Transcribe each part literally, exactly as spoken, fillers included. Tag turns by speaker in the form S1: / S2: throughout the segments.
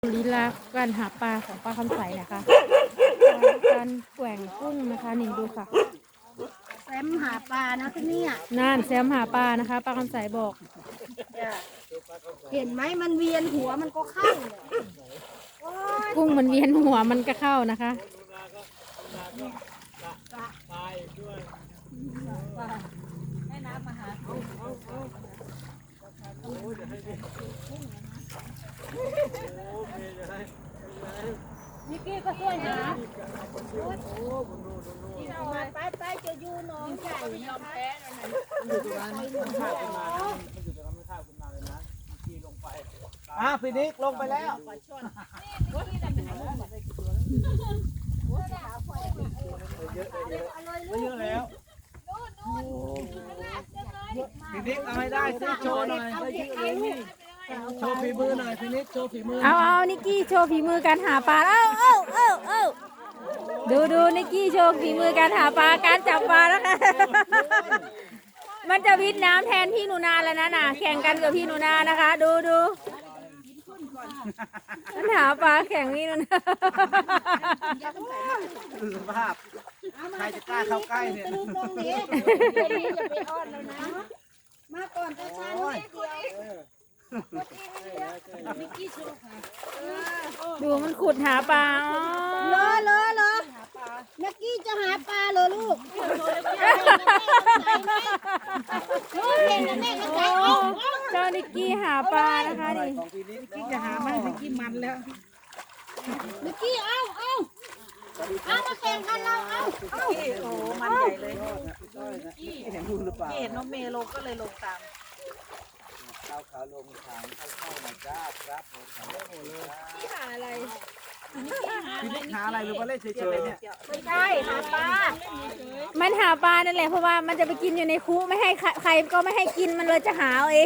S1: ลีลาการหาปลาของปลาคำใสนะคะการแกว่งกุ้งนะคะนี่ดูค่ะ
S2: แซมหาปลานะที่นี่อ่ะ
S1: นั่นแซมหาปลานะคะปลาคำใสบอก
S2: เห็นไหมมันเวียนหัวมันก็เข้า
S1: กุ้งมันเวียนหัวมันก็เข้านะคะ
S2: นิกกี้ก็ช่วยหาไปไปจะอยู่น้องใหญ่ยอมแพ้
S3: มันอยู่ตรงนั้นมันข้าวขึ้นมามันอยู่ตรงนั้นมันข้าวขึ้นมาเลยนะขี่ลงไปอ่ะพี่นิกลงไปแล้วเยอะเยอะแล้วพี่นิกเอาให้ได้ซิโชว์หน่อยได้เยอะเลยนี่โชว์ฝีมือหน่อยพี่นิกโชว์ฝีมือ
S1: เอาเอานิกกี้โชว์ฝีมือการหาปลาเอ้าเอ้าเอ้าเอ้าดูดูนิกกี้โชว์ฝีมือการหาปลาการจับปลาแล้วค่ะมันจะวิทน้ำแทนพี่หนูนาแล้วนะน่ะแข่งกันกับพี่หนูนานะคะ ดูดูมันหาปลาแข่งพี่หนูนา
S3: ดูสภาพใครจะกล้าเข้าใกล้เนี่ย
S2: ตรงนี้จะไปอ้อนแล้วนะมาก่อนตาชาหน่อยเดียวนิกกี้โชว์ค่ะ
S1: ดูมันขุดหาปลา
S2: เลอเลอเลอนิกกี้จะหาปลาเหรอลูกลูกเห็นนะแม่เข้าใจ
S1: เจ้านิกกี้หาปลานะคะดิ
S3: นิกกี้จะหาไหมนิกกี้มันแล้ว
S2: นิกกี้เอาเอาเอามาแข่งกันเราเอาเอา
S4: โอ้มันใหญ่เลย
S3: พี่เห็นดูหรือเปล่า
S4: พี่เห็นน้องเมย์ลงก็เลยลงตาม
S3: ข้าวขาลงทางเข้าเข้ามาจ้าครับผมทำได้หมดเลย
S4: พี่หาอะไร
S3: พี่นิกหาอะไรหรือว่าเล่นเฉยๆเนี่ย
S2: ไม่ใช่หาปลา
S1: มันหาปลานั่นแหละเพราะว่ามันจะไปกินอยู่ในคุไม่ให้ใครก็ไม่ให้กินมันเลยจะหาเอาเอง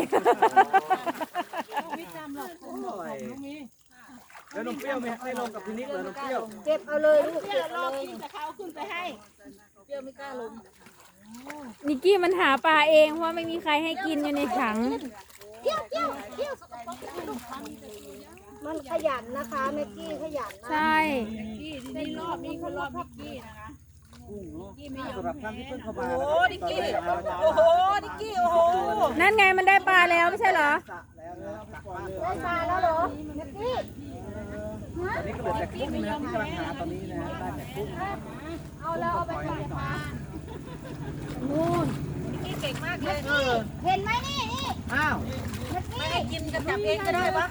S3: ไม่จำหรอกแล้วน้องเปรี้ยวไม่ไม่ลงกับพี่นิกเหรอน้องเปรี้ยว
S2: เก็บเอาเลยลูก
S4: เปรี้ยวรอบที่จะเขาขึ้นไปให้เปรี้ยวไม่กล้าลง
S1: นิกกี้มันหาปลาเองเพราะไม่มีใครให้กินอยู่ในถัง
S2: เที่ยวเที่ยวเที่ยวมันขยันนะคะแม็กกี้ขยันนะ
S1: ใช่
S4: กี้ทีนี้รอบนี้เขารอบนิกกี้นะคะ
S3: กี้ไม่ยอมสำหรับท่านที่เพิ่งเข้ามา
S4: โอ้นิกกี้โอ้โหนิกกี้โอ้โห
S1: นั่นไงมันได้ปลาแล้วไม่ใช่เหรอ
S2: ได้ปลาแล้วเหรอแม็กกี้
S3: ตอนนี้ก็เหลือแต่กุ้งนะที่กำลังหาตอนนี้นะได้แต่กุ้ง
S2: เอาแล้วเอาไปปล่อยปลา
S4: นู่นนิกกี้เก่งมากเลย
S2: เห็นไหมนี่นี่
S3: อ้าว
S4: ไม่ให้กินก็จับเองก็ได้วะ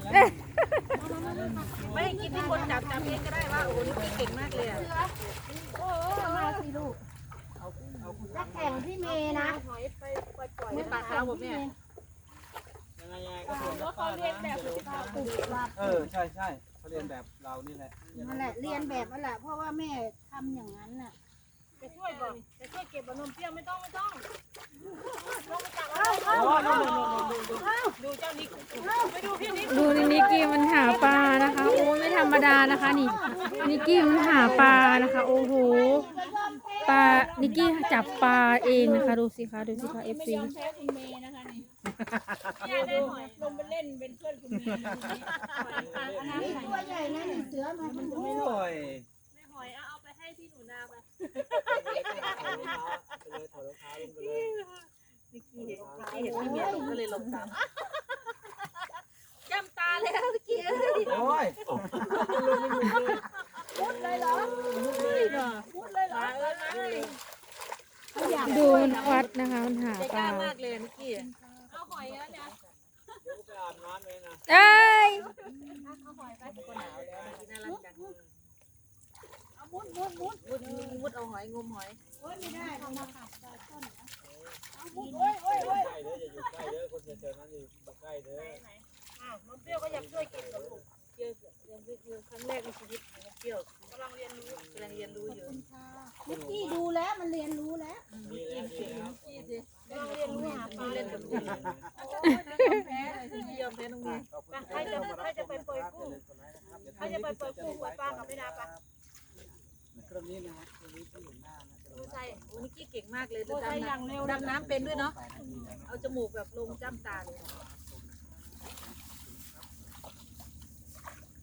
S4: ไม่ให้กินที่คนจับจับเองก็ได้วะโอ้นิกกี้เก่งมากเลยอ่ะ
S2: โอ้มาสิลูกจะแข่งที่เมย์นะ
S4: ไม่ปลาขาวผมเนี่ย
S3: ยังไงยังไงก็ส่วนเขาเรียนแบบเออใช่ใช่เขาเรียนแบบเรานี่แหละ
S2: นั่นแหละเรียนแบบนั่นแหละเพราะว่าแม่ทำอย่างนั้นน่ะ
S4: จะช่วยบอกจะช่วยเก็บบะนมเปรี้ยวไม่ต้องไม่ต้องลงไปจับ
S2: เอาเอาเอา
S4: ดูเจ้านิกไปดูพี่นิก
S1: ดูนิกกี้มันหาปลานะคะโอ้ไม่ธรรมดานะคะนี่นิกกี้มันหาปลานะคะโอ้โหปลานิกกี้จับปลาเองนะคะดูสิคะดูสิคะเอฟซี
S4: ไม่ยอมแพ้คุณเมย์นะคะนี่เนี่ยได้หอยลงไปเล่นเป็นเพื่อนคุณเมย์
S2: นี่ตัวใหญ่นะนี่เสือมันมันจะไม่รอด
S4: ไม่หอยเอาไปให้พี่หนูนาไปนิกกี้เห็นนิกกี้เห็นพี่เมย์ลงก็เลยลงตามจำตาแล้วนิกกี้
S3: โอ้ย
S2: มุดเลยเหรอ
S4: มุดเลยเหรอมุดเลยเหรอ
S1: ดูมันควัดนะคะมันหาปลาม
S4: ากเลยนิกกี้เอาหอยแล้วเนี่ย
S1: เอ้ย
S4: เอาหอยไปก็หนาวแล้วน่ารักจังเอามุดมุดมุดมุดมุดเอาหอยงมหอย
S2: โอ้ยไม่ได้เอามาขับปลาต้นนะ
S4: เอามุดโอ้ยโอ้ยโอ้ย
S3: ใกล้เด้ออย่าอยู่ใกล้เด้อคนเจอนั้นอยู่ใกล้เด้อ
S4: อ้าวน้องเปรี้ยวก็อยากช่วยกินกับลูกเปรี้ยวยังเป็นครั้งแรกในชีวิตของน้องเปรี้ยวกำลังเรียนรู้กำลังเรียนรู้อยู่
S2: นิกกี้ดูแล้วมันเรียนรู้แล้ว
S4: นิกกี้เก่งนิกกี้สิกำลังเรียนรู้หาปลาเล่นกับลูกแพ้เลยที่ยอมแพ้น้องเมย์ใครจะใครจะไปปล่อยกุ้งใครจะไปปล่อยกุ้งปล่อยปลากับไม่นาปลา
S3: เครื่องนี้นะฮะเครื่องนี้ที่อยู่หน้านะ
S4: ใช่โอ้นิกกี้เก่งมากเลยดำน้ำดำน้ำเป็นด้วยเนาะเอาจมูกแบบลงจ้ำตาเลย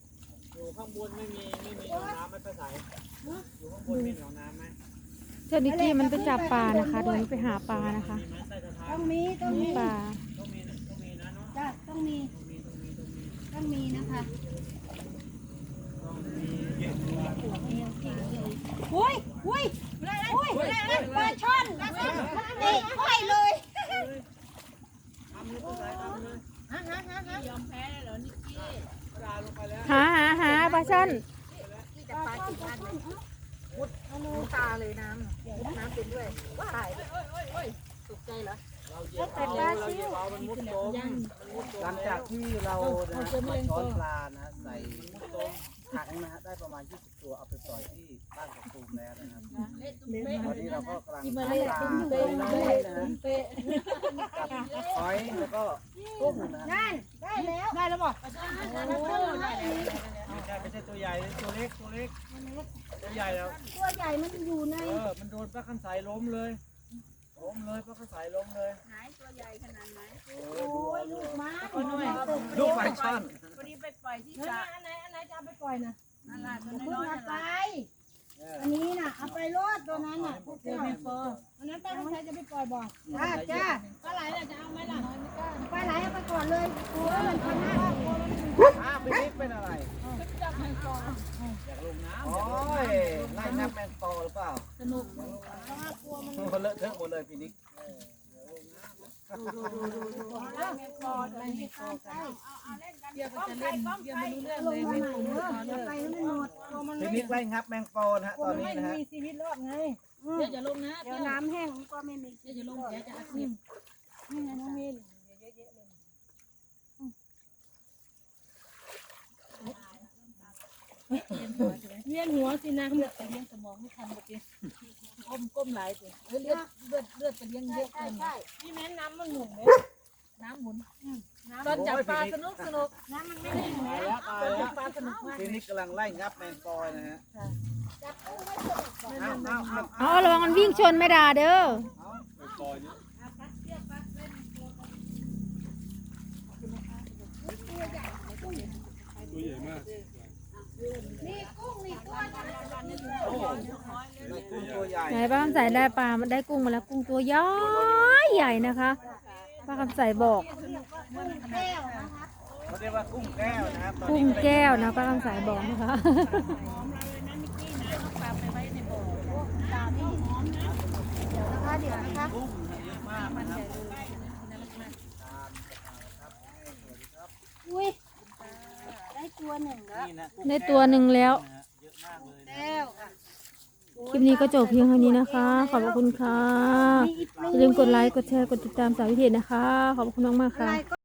S3: ข้างบนไม่มีไม่มีหนองน้ำไม่ไปใส่อยู่ข้างบนมีหนองน้ำไหม
S1: เจ้านิกกี้มันไปจับปลานะคะเดี๋ยวมันไปหาปลานะคะ
S3: มีไหมใต้สะพาน
S2: ต้องมีต้องมี
S1: ปลา
S3: ต้องมีต้องมีนะเนาะ
S2: จ้ะต้องมี
S3: ต้องมีต้องมีต้องมี
S2: ต้องมีนะคะ
S3: ต้องมีเยอะกว่า
S2: อุ้ยอุ้ยอุ้ยปลาช่อนมันเตะอ้อยเลย
S3: ทำเลยตัวไหนทำเลย
S4: ฮะฮะฮะฮะยอมแพ้เลยเหรอนิกกี้
S3: กระดาษลงไปแล้ว
S1: หาหาหาปลาช่อน
S4: ที่จะปลากี่พันเลยมุดมุดตาเลยน้ำมุดน้ำเป็นด้วยว้ายตกใจเหรอ
S3: เราเหยียบเอาเราเหยียบเอามันมุดตมหลังจากที่เรานะฮะมาช้อนปลานะฮะใส่มุดตมถังนะฮะได้ประมาณยี่สิบตัวเอาไปปล่อยที่บ้านของตูมแล้วนะครับตอนนี้เราก็กำลังหาปลาตัวน้อยนะฮะกับหอยแล้วก็กุ้งนะฮะ
S2: นั่นได้แล้วได้แล้วบอก
S3: ไม่ใช่ไม่ใช่ตัวใหญ่ตัวเล็กตัวเล็กตัวใหญ่แล้ว
S2: ตัวใหญ่มันอยู่ใน
S3: เออมันโดนปลาคันสายล้มเลยล้มเลยปลาคันสายล้มเลย
S4: ไหนตัวใหญ่ขนาดไหน
S2: โอ้ยลูกม้า
S3: ลูกปลาช่อน
S4: พอดีไปปล่อยที่สระอันไหนอันไหนจะเอาไปปล่อยนะนั่นแหละตัว
S2: เพิ่ง
S4: น้อย
S2: เอา
S4: ๆ
S2: ไป
S4: นั่นแหละ
S2: อันนี้น่ะเอาไปรดตัวนั้นน่ะพวก
S4: เดี๋ยว
S2: เจ้า
S4: แม่โฟอันนั้นป้าต้องใช้จะไปปล่อยบ่อ
S2: จ้าจ้า
S4: ปลาไหลน่ะจะเอาไหมล่ะ
S2: ปลาไหลเอาไปก่อนเลยกลัวมันพันหน้า
S3: อ้าวพี่นิกเป็นอะไร
S4: จับแมงปอ
S3: อยากลงน้ำโอ้ยไล่นับแมงปอหรือเปล่า
S4: สนุก
S3: มันเลอะเทอะหมดเลยพี่นิก
S4: แมงปออะไรแมงปอกันเดี๋ยวก็จะเล่นเดี๋ยวไม่รู้เรื่องเลยไม่รู้เรื่อง
S2: อย่าไปให้มันหมด
S3: พี่นิกไล่งับแมงปอนะฮะตอนนี้นะฮะ
S4: มีชีวิตรอดไงเดี๋ยวจะลงนะ
S2: เดี๋ยวน้ำแห้งมันก็ไม่มี
S4: เดี๋ยวจะลงเดี๋ยวจะอัดคลิปนี่ไงน้องมินเยอะๆเลยเวียนหัวสินะเลือดไปเลี้ยงสมองไม่ทันเมื่อกี้ก้มก้มหลายสิเลือดเลือดเลือดไปเลี้ยงเยอะเกินนี่แม่น้ำมันหมุนเลยน้ำหมุนตอนจับปลาสนุกสนุกน้ำมันไม่ได้หมุน
S3: ตายแล้วตาย
S4: ตอน
S3: แล้
S4: จั
S3: ว
S4: บปลาสนุกมาก
S3: พี่นิกกำลังไล่งับแมงปอนะฮะเอาเอาเอา
S1: อ๋อระวังมันวิ่งชนไม่ด่าเด้อ
S2: นี่กุ้งนี่ตัว
S3: โอ้โหกุ้งตัวใหญ่
S1: ไหนป้าคำใสได้ปลามันได้กุ้งมาแล้วกุ้งตัวใหญ่ใหญ่นะคะป้าคำใสบอก
S2: แก้วนะคะ
S3: เขาเรียกว่ากุ้งแก้วนะครับตอน
S1: กุ้
S3: นี้
S1: งแก้วนะป้าคำใสบอกนะคะ
S2: นะคะเดี๋ยวนะคะ
S3: กุ้งเยอะมากนะครับ
S2: อุ้ยได้ตัวหนึ่งแล้ว
S3: นี่นะกุ้ง
S1: ได้ตัวหนึ่งแล้ว
S3: นะฮะเยอะมากเลยนะ
S2: แก้วค่ะ
S1: คลิปนี้ก็จบเพียงเท่านี้นะคะ ขอบพระคุณค่ะอย่าลืมกดไลค์กดแชร์กดติดตามสาววิเทศนะคะ ขอบคุณมากๆค่ะ